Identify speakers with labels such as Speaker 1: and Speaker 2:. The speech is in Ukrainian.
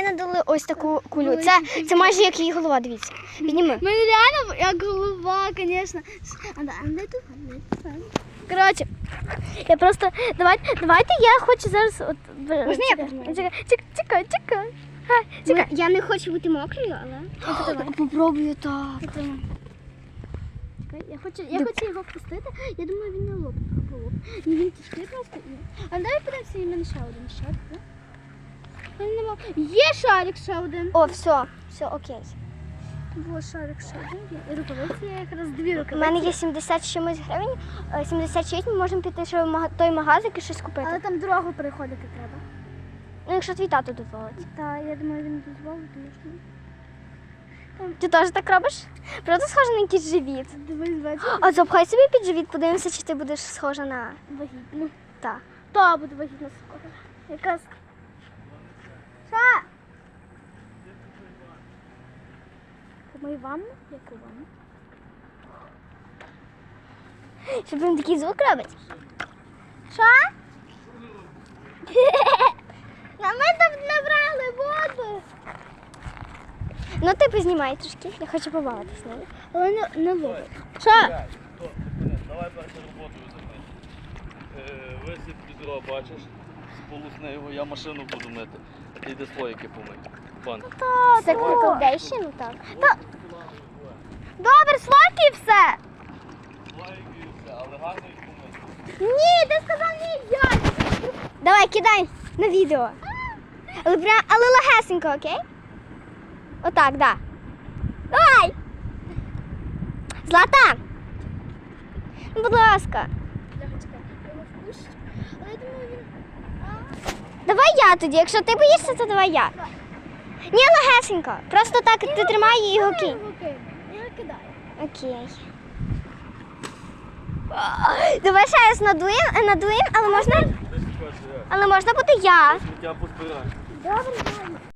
Speaker 1: ми надали ось таку кулю. Це майже як її голова, дивіться. Підніми.
Speaker 2: Мене реально як голова, звісно. А де тут?
Speaker 1: Коротше, я просто, давайте я хочу зараз, от,
Speaker 2: Можна я познімаю?
Speaker 1: Чекай.
Speaker 2: Я не хочу бути мокрою, але...
Speaker 1: Попробую так.
Speaker 2: Я хочу його впустити. Я думаю, він не лоб. Ну, він тяжкий просто. А давай подивимося, і в мене ще один шарик. Є шарик ще один.
Speaker 1: О, все, окей.
Speaker 2: Було шарик ще один. І рукавиці, я якраз дві
Speaker 1: У
Speaker 2: рукавиці.
Speaker 1: мене є 70 з чимось гривень, 76, ми можемо піти ще в той магазин і щось купити.
Speaker 2: Але там дорогу переходити треба.
Speaker 1: Ну, якщо твій тато дозволить.
Speaker 2: Так, я думаю, він дозволить, тому що...
Speaker 1: Ти теж так робиш? Правда схожа на якийсь живіт?
Speaker 2: Дивись, бачиш?
Speaker 1: А запхай собі під живіт, подивимося, чи ти будеш схожа на...
Speaker 2: Вагітну.
Speaker 1: Так.
Speaker 2: Та буде вагітна скоро. Якраз. Ша! Помий ванну? Яку ванну?
Speaker 1: Щоб він такий звук робить.
Speaker 2: Ша? А ми там набрали воду.
Speaker 1: Ну ти познімай трошки, я хочу побавитись нею.
Speaker 2: Але не ловить. Ша!
Speaker 3: Давай першу роботу займай. Висип відро, бачиш, сполусни його, я машину буду мити, а ти йди слоїки помий. Банк.
Speaker 1: Це колдейші, ну так.
Speaker 2: Добре, слоки і все.
Speaker 3: Слоїки і все, але гарно їх помити.
Speaker 2: Ні, ти сказав ні, я.
Speaker 1: Давай, кидай на відео. Але легесенько, окей? Отак, да. Давай! Злата! Ну, будь ласка.
Speaker 2: Але я думаю, він...
Speaker 1: Давай я тоді, якщо ти боїшся, то давай я. Ні, легесенько. Просто так ти тримай і його кинь.
Speaker 2: Я кидаю.
Speaker 1: Окей. Давай ще раз надуємо, але можна буде я.
Speaker 3: Сміття позбирай.
Speaker 2: Добре, добре.